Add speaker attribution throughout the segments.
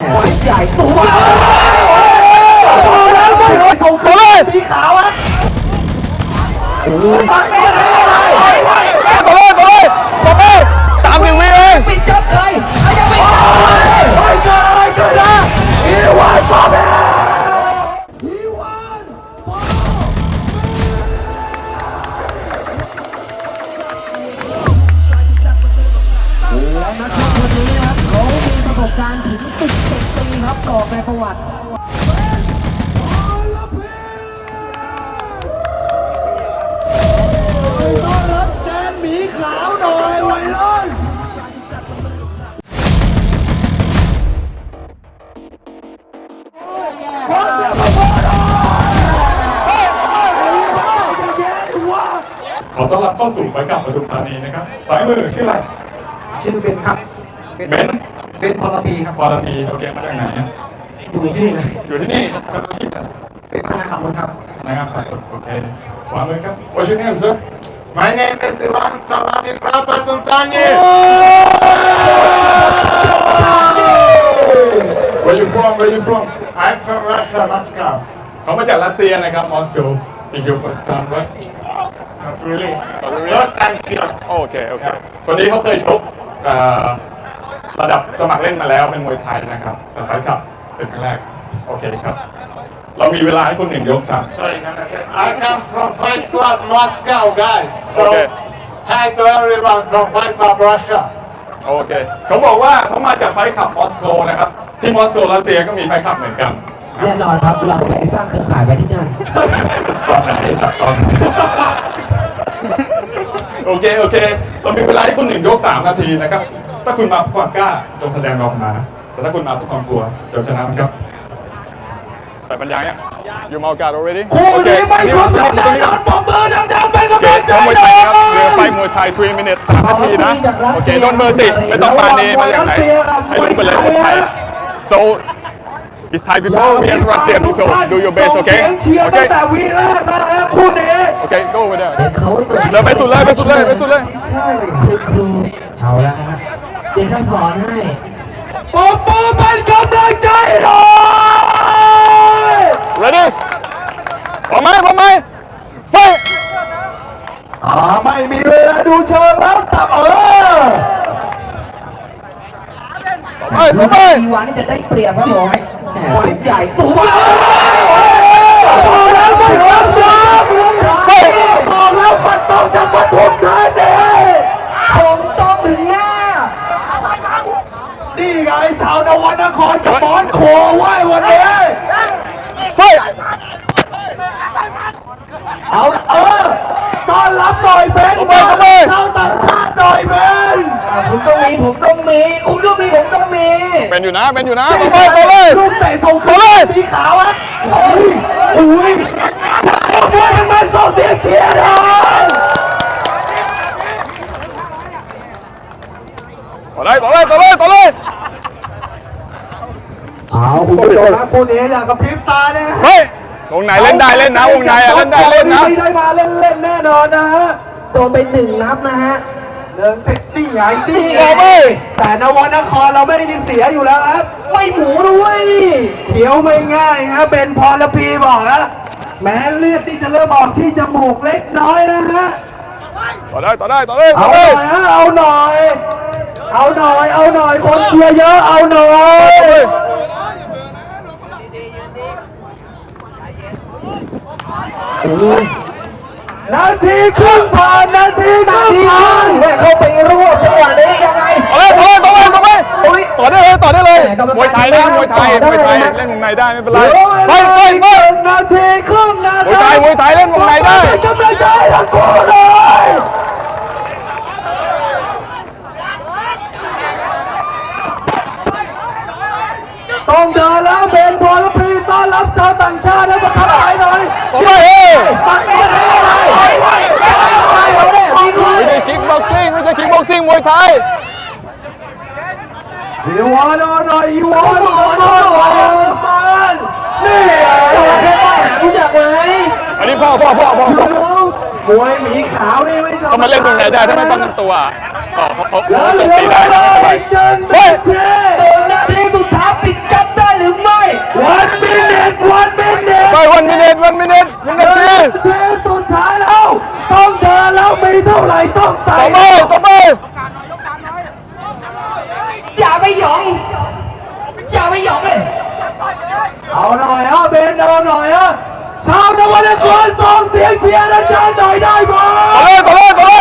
Speaker 1: ใหญ่ตัวแล้วไม่ส่งเขาเลยสีขาวอ่ะ
Speaker 2: ตาม1 วิเอง
Speaker 1: ปิดจบเลยยังไม่เกิดนะอีวานฟอร์แมนและนักชกคนนี้ครับเขามีประสบการณ์ถึง17 ปีครับต่อในประวัติต้อนรับแดนหมีขาวหน่อยวัยรุ่น
Speaker 2: ขอต้อนรับเข้าสู่ไฟกลับปทุมธานีนะครับสายมือชื่ออะไร
Speaker 1: ชื่อเบนครับเบนพลปีครับ
Speaker 2: พลปีโอเคมาจากไหน
Speaker 1: อยู่ที่นี่เลย
Speaker 2: อยู่ที่นี่ทำอาชีพอะไร
Speaker 1: เป็นพนักงานขับรถครับ
Speaker 2: นะครับโอเคขวามือครับ What's your name sir
Speaker 3: My name is Ivan Salami from Patum Thani.
Speaker 2: Where you from
Speaker 3: I'm from Russia, Moscow.
Speaker 2: เขามาจากรัสเซียนะครับมอสโก Is your first time right
Speaker 3: Not really. First time here.
Speaker 2: โอเคคนนี้เขาเคยชกระดับสมัครเล่นมาแล้วเป็นมวยไทยนะครับแต่ไฟขับเป็นครั้งแรกโอเคครับเรามีเวลาให้คุณ1 ยก 3
Speaker 3: Sorry, I come from Fight Club Moscow, guys. So, hi to everyone from Fight Club Russia.
Speaker 2: โอเคเขาบอกว่าเขามาจากไฟขับมอสโกนะครับที่มอสโกรัสเซียก็มีไฟขับเหมือนกัน
Speaker 1: แน่นอนครับเราไปสร้างเครือข่ายไปที่นั่น
Speaker 2: ตอนไหนโอเคเรามีเวลาให้คุณ1 ยก 3 นาทีนะครับถ้าคุณมาเพื่อความกล้าจงแสดงออกมาแต่ถ้าคุณมาเพื่อความกลัวจงชนะมันครับใส่ปัญญาเนี่ยอยู่มาโอกาส already
Speaker 1: คู่นี้ไม่ชอบดังๆปมมือดังๆเป็นกำลังใจ
Speaker 2: มวยไทยครับเรือไฟมวยไทย3 minutes 3 นาทีนะโอเคโดนเบอร์10ไม่ต้องปานีมาจากไหนให้รู้ไปเลยคนไทย so it's Thai people we are Russian people do your best okay
Speaker 1: เชียร์ตั้งแต่วีแรกนะฮะคู่นี้
Speaker 2: โอเค go over there
Speaker 1: เรา
Speaker 2: ไปสุดเลย
Speaker 1: ใช่ครูเอาละฮะเดี๋ยวจะสอนให้ปมมือเป็นกำลังใจหน่อย
Speaker 2: ready พร้อมไหมไฟ
Speaker 1: ไม่มีเวลาดูเชิงแล้วสับ
Speaker 2: ไป
Speaker 1: อีวานนี่จะได้เปรียบครับผมคนใหญ่ตัวแล้วไม่ยอมจบบอกแล้วมันต้องจะปฐมธานีคงต้องถึงหน้านี่ไงชาวนวนครกับมอนโคไหว้วันนี้เอาต้อนรับหน่อยเบนชาวต่างชาติหน่อยเบนผมต้องมีผมต้องมี
Speaker 2: เป็นอยู่นะไปเลย
Speaker 1: ลูกเตะส่งเขาเลยสีขาวอ่ะอุ้ยด้วยมันส่งเสียงเชียร์เลย
Speaker 2: ต่อเลย
Speaker 1: เอาคุณผู้ชมครับคู่นี้อย่างกับพริบตาเนี่ยว
Speaker 2: งไหนเล่นได้เล่นนะวงไหนเล่นได้เล่นนะ
Speaker 1: ไม่ได้มาเล่นแน่นอนนะฮะโดนไป1 นัดนะฮะนี่ไงแต่นวนครเราไม่ได้เสียอยู่แล้วครับไม่หมูด้วยเขียวไม่ง่ายครับเป็นพรพีบอกนะแม้เลือดที่จะเริ่มออกที่จมูกเล็กน้อยนะฮะ
Speaker 2: ต่อได้
Speaker 1: เอาหน่อยคนเชียร์เยอะเอาหน่อยนาทีครึ่งผ่านเข้าไปรวบจังหวะนี้ยังไง
Speaker 2: ต่อได้เลยมวยไทยเล่นวงในได้ไม่เป็นไร
Speaker 1: นาทีครึ่ง
Speaker 2: มวยไทยเล่นวงในได้
Speaker 1: กำลังใจทั้งคู่เลยต้องเดินแล้วเบนพลพีต้อนรับชาวต่างชาติให้มาทักทายหน่อย
Speaker 2: ไม่ใช่คิกบ็อกซิ่งมวยไทย
Speaker 1: อีวานหน่อยมันนี่แค่ว่าหารู้จักไหม
Speaker 2: อันนี้พ่อ
Speaker 1: มวยหมีขาวนี่ไม่
Speaker 2: เขามาเล่นตรงไหนได้ถ้าไม่ป้องกันตัวเขาโจมตีได้นะ
Speaker 1: นาทีสุดท้ายปิดจับเอาหน่อยอ่ะเบนเอาหน่อยอ่ะชาวนวนครส่งเสียงเชียร์อาจารย์หน่อยได้ไหม
Speaker 2: ต่อเลย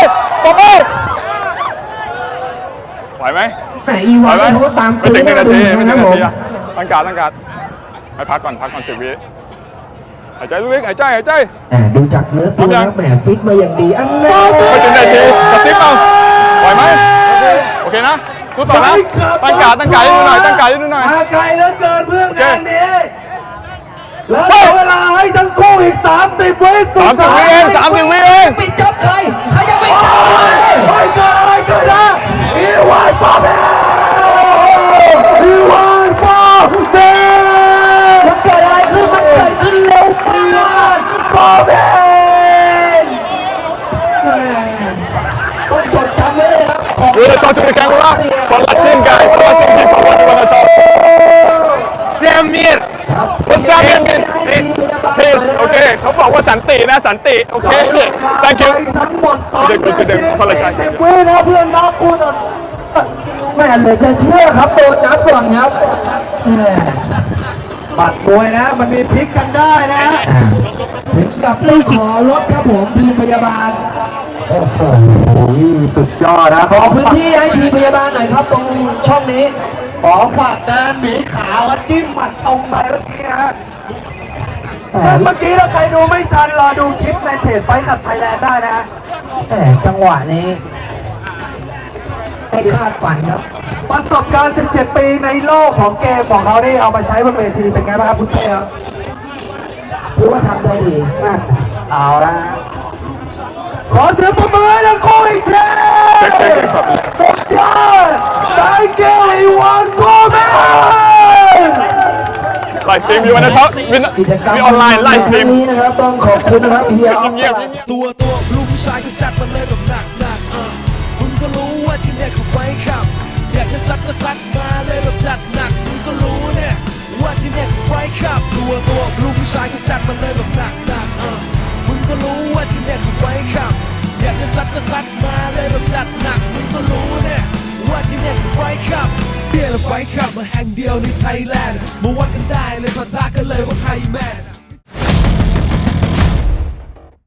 Speaker 2: ไหวไหม
Speaker 4: แหมอีวานเขาก็ตาม
Speaker 2: ไม่ถึง1 นาทีไม่ถึง
Speaker 4: นะ
Speaker 2: 1
Speaker 4: ผม
Speaker 2: นาทีอะตั้งการให้พักก่อน10 วิหายใจลึกๆหายใจ
Speaker 4: ดูจากเนื้อตัว
Speaker 2: พร้อมยั
Speaker 4: นะ
Speaker 2: ง
Speaker 4: แหมฟิตมาอย่างดีอันแน่
Speaker 2: ไม่ถึง1 นาทีกระซิบเอาไหวไหมโอเคนะพูดต่อนะตั้งการให้ดูหน่อย
Speaker 1: มาไกลเหลือเกินเพื่อนงานนี้แล้วเหลือเวลาให้ทั้งคู่อีก30 วิสุดท้าย
Speaker 2: 30 วิเอง
Speaker 4: ปิดจ็อบใครจะปิดจ็อบ
Speaker 1: ไม่เกิดอะไรขึ้นนะอีวานฟอร์เบนอีวานฟอร์เบน
Speaker 4: มันเกิดอะไรขึ้นมันเกิดขึ้นเร็วไป
Speaker 1: อีวานฟอร์เบน
Speaker 4: ต้องจดจำไว้เลยครับของ
Speaker 2: ดูเลยจอจุดแข็งของเราคนละชิ้นกันคนละชิ้นที่ผมว่าคนละจอเซียมมีดคนเซียมมีดทีโอเคเขาบอกว่าสันตินะสันติโอเค thank you
Speaker 1: ทั้งหมด2
Speaker 2: เดี๋ยวคนละชั้น
Speaker 1: 10 วินะเพื่อนน้องกูต่อ
Speaker 4: แม่เลยจะเชื่อครับโดนนับก่อนครับแหม
Speaker 1: บัตรมวยนะมันมีพลิกกันได้นะ
Speaker 4: ถึงกับต้องขอรถครับผมทีมพยาบาล
Speaker 1: โอ้โหสุดยอดนะ
Speaker 4: ขอพื้นที่ให้ทีมพยาบาลหน่อยครับตรงช่องนี้
Speaker 1: ขอฝากแดนหมีขาวมาจิ้มหมัดตรงไปเมื่อกี้นะฮะซึ่งเมื่อกี้ถ้าใครดูไม่ทันรอดูคลิปในเพจไฟขับไทยแลนด์ได้นะฮะ
Speaker 4: แหมจังหวะนี้ไม่คาดฝันครับ
Speaker 1: ประสบการณ์ 17 ปีในโลกของเกมของเขานี่เอามาใช้บนเวทีเป็นไงบ้างครับคุณเต้ครับ
Speaker 4: ถือว่าทำได้ดี
Speaker 1: เอาละฮะขอเสียงปรบมือให้ทั้งคู่อีกทีสุดยอด Thank you อีวานโฟร์แมน
Speaker 2: ไลฟ์สตรีมอยู่วันนี้ท็อปมีออนไลน์ไลฟ์สตรีม
Speaker 4: นี้นะครับต้องขอบคุณนะครับเฮียออฟ
Speaker 2: เงียบ
Speaker 5: ตัวลูกผู้ชายก็จัดมาเลยแบบหนักมึงก็รู้ว่าที่เนี่ยคือไฟขับ อยากจะซัดก็ซัดมาเลยแบบจัดหนักมึงก็รู้เนี่ยว่าที่เนี่ยคือไฟขับตัวลูกผู้ชายก็จัดมาเลยแบบหนักมึงก็รู้ว่าที่เนี่ยคือไฟขับ อยากจะซัดก็ซัดมาเลยแบบจัดหนักมึงก็รู้เนี่ยว่าที่เนี่ยคือไฟขับเบียร์และไฟขับมาแห่งเดียวในไทยแลนด์มาวัดกันได้เลยปะทะกันเลยว่าใครแมน